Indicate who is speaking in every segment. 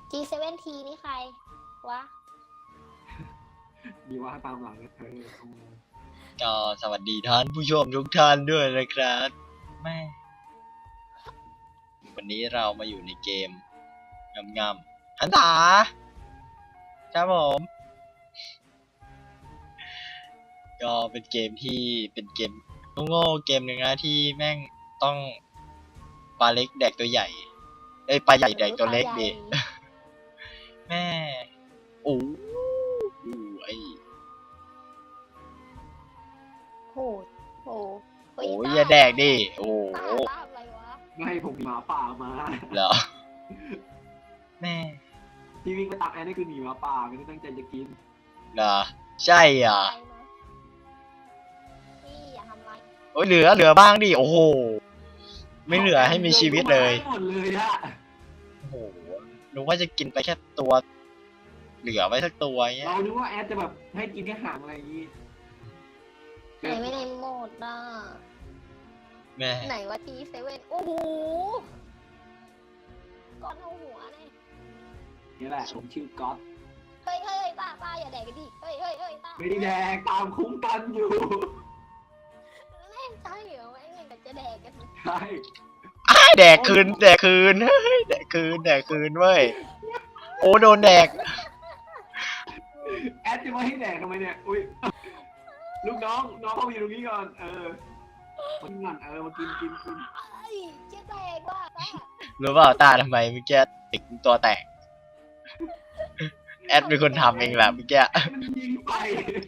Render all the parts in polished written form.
Speaker 1: G7T นี่ใครวะ
Speaker 2: มีว่าตามหลังเธอ
Speaker 3: ก็สวัสดีท่านผู้ชมทุกท่านด้วยนะครับแม่วันนี้เรามาอยู่ในเกมงำๆหันษาครับผมก็เป็นเกมที่เป็นเกมโง่ๆเกมหนึ่งนะที่แม่งต้องปลาเล็กแดกตัวใหญ่ปลาใหญ่แดกตัวเล็กดิแม่โอ้ไอ
Speaker 1: โหโห
Speaker 3: โอ้ยอย่าแดกดิโอ้
Speaker 1: ตาอะไรวะ
Speaker 2: ไม่ผมหมาป่ามา
Speaker 3: เหรอแม่
Speaker 2: ที่วิ่งไปตามแอนนี่คือหนีหมาป่าไม่ได้ตั้งใจจะกิน
Speaker 3: เหรอใช่อ่ะ
Speaker 1: นี่อย่าทำไร
Speaker 3: โอ้ยเหลือบ้างดิโอ้โหไม่เหลือให้มีชีวิตเลย
Speaker 2: หมดเลยอะ
Speaker 3: โอ้โหนึกว่าจะกินไปแค่ตัวเหลือไว้สักตัวเงี้ย
Speaker 2: เรานึกว่าแอดจะแบบให้กินแค่หางอะไรอย่างงี้
Speaker 1: ไหนไม่ได้โหมดอ่ะ
Speaker 3: แม่
Speaker 1: ไหนวะ G7 โอ้โหก้อนเท่าหัวเนี่ย
Speaker 2: นี่แหละผมชื่อก๊อต
Speaker 1: เฮ้ยตาอย่าแดกกันดิเฮ้ยตา
Speaker 2: ไม่ได้แดกตามคุ้มกันอยู่
Speaker 1: แม่งใช่เหรอแม่งยังจะแดกกัน
Speaker 2: ใช่
Speaker 3: แดกคืนเฮ้ยแดกคืนเว้ยโอ้โดนแดก
Speaker 2: แอดจะมาให้แดกทำไมเนี่ยอุ้ยลูกน้องเข้ามาอยู่ตรงนี้ก่อนมากินก่อนมากิน
Speaker 1: เฮ้ยจะแดกว่ะตา
Speaker 3: รู้เปล่าตาทำไมเมื่อกี้ติดตัวแตกแอดเป็นคนทำเองแหละเมื่อกี้
Speaker 2: มันยิงไป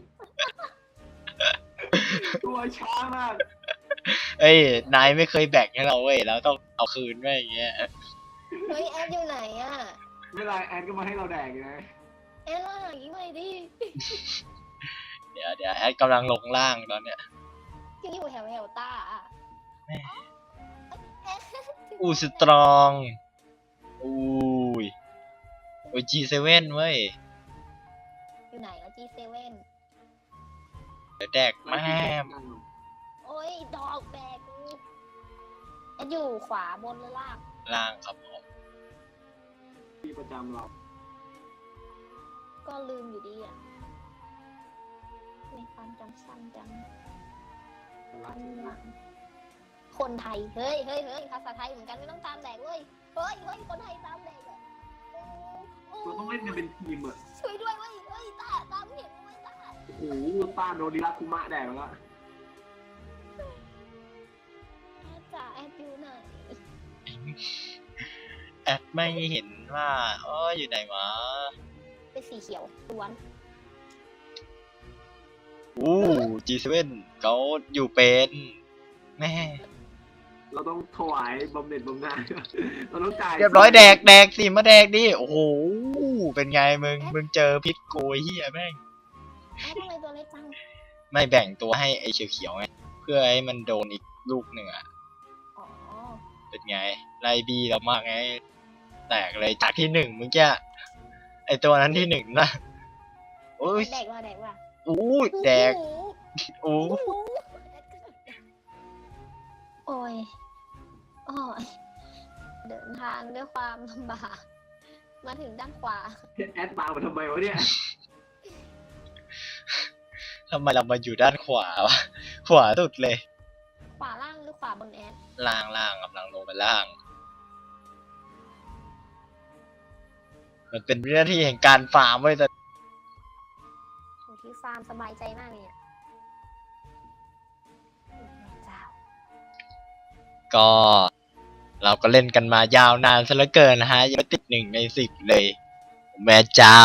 Speaker 2: ตัวช้ามาก
Speaker 3: เอ้ยนายไม่เคยแบ่งให้เราเว้ยแล้วต้องเอาคืนไว้อย่างเงี้ย
Speaker 1: เฮ้ยแอดอยู่ไหนอ่ะ
Speaker 2: ไม่เป็นไรแอดก็มาให้เราแดกอยู่นะ
Speaker 1: แอดล่าอย่างนี้ไม่ดิ
Speaker 3: เดี๋ยวแอดกำลังลงล่างตอนเนี้ย
Speaker 1: ที่อยู่แถวตาอ่ะ
Speaker 3: อู้สตรองอู้ยโอ้ย G7 เว้ย
Speaker 1: อยู่ไหนแล้ว G7
Speaker 3: เดี๋ยวแดกแม่ม
Speaker 1: โอ้ยดอกแบกกูแอดอยู่ขวาบนหรือล่าง
Speaker 3: ล่างครับผม
Speaker 2: ที่ประจำเรา
Speaker 1: ก็ลืมอยู่ดีอ่ะในความจำสั้นจังวันหลังคนไทยเฮ้ยภาษาไทยเหมือนกันไม่ต้องตามแดกเว้ยเฮ้ยคนไทยตามแดกอ่ะโอ้
Speaker 2: เราต้องเล่นกันเป็นทีมอ่ะ
Speaker 1: ช่วยด้วยเว้ยเฮ้ยตามเห็นไหมตา
Speaker 2: โอ้โหต้านโดนดิรัคุมะแดกแล้ว
Speaker 1: แอดจ๋าแอดอยู่ไหน
Speaker 3: แอดไม่เห็นว่าอ๋ออยู่ไหนวะ
Speaker 1: เป็นสีเขียวล้วน
Speaker 3: อู้ G7 เขาอยู่เป็นแม่
Speaker 2: เราต้องถวายบำเหน็จบำนาญ เราต้องจ่าย
Speaker 3: เรียบร้อยแดกสิมาแดกดิโอ้โหเป็นไงมึงเจอพิษโกยเฮียแม่ง
Speaker 1: แอดทำไมตัวเล็กจัง
Speaker 3: ไม่แบ่งตัวให้ไอ้เขียวๆไงเพื่อให้มันโดนอีกลูกหนึ่งอ่ะ
Speaker 1: อ๋อ
Speaker 3: เป็นไงไล่บีเรามากไงแตกเลยจากที่หนึ่งเมื่อกี้ไอตัวนั้นที่หนึ่งนะโอ้ย
Speaker 1: แดกว่ะ
Speaker 3: อู้แดกอู้
Speaker 1: โอ้ยเดินทางด้วยความลำบากมาถึงด้านขวา
Speaker 2: แอดตามมาทำไมวะเนี่ย
Speaker 3: ทำไมเรามาอยู่ด้านขวาวะขวาสุดเลย
Speaker 1: ขวาล่างหรือขวาบนแอด
Speaker 3: ล่างกำลังลงไปล่าง มันเป็นเรื่องที่แห่งการฟาร์มไว้ยแต่
Speaker 1: โหที่ฟาร์มสบายใจมากเลยอ่ะแม่เจ้า
Speaker 3: ก็เราก็เล่นกันมายาวนานซะเหลือเกินนะฮะยังไม่ติด1 ใน 10เลย แม่เจ้า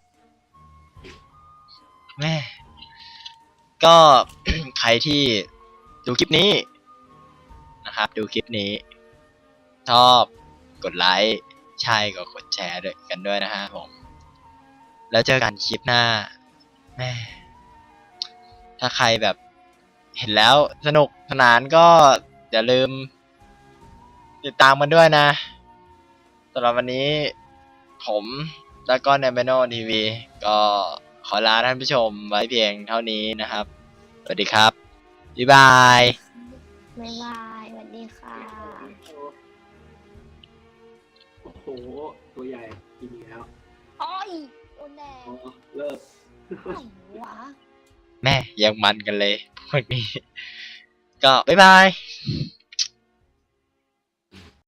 Speaker 3: แม่ก็ ใครที่ดูคลิปนี้นะครับดูคลิปนี้ชอบกดไลค์ใช่ก็กดแชร์ด้วยกันด้วยนะฮะผมแล้วเจอกันคลิปหน้าแม่ถ้าใครแบบเห็นแล้วสนุกสนานก็อย่าลืมติดตามกันด้วยนะสำหรับวันนี้ผมแล้วก็Nambeno TV ก็ขอลาท่านผู้ชมไว้เพียงเท่านี้นะครับสวัสดีครับบ๊ายบาย
Speaker 1: บ๊ายบายสวัสดีค่ะ
Speaker 2: โอ้โหตัวใหญ่กินอีกแล้ว
Speaker 1: อ้อยโดนแดง
Speaker 2: อ๋อเลิก
Speaker 1: ไหนวะ
Speaker 3: แม่ยังมันกันเลยพวกนี้ ก็บ๊ายบาย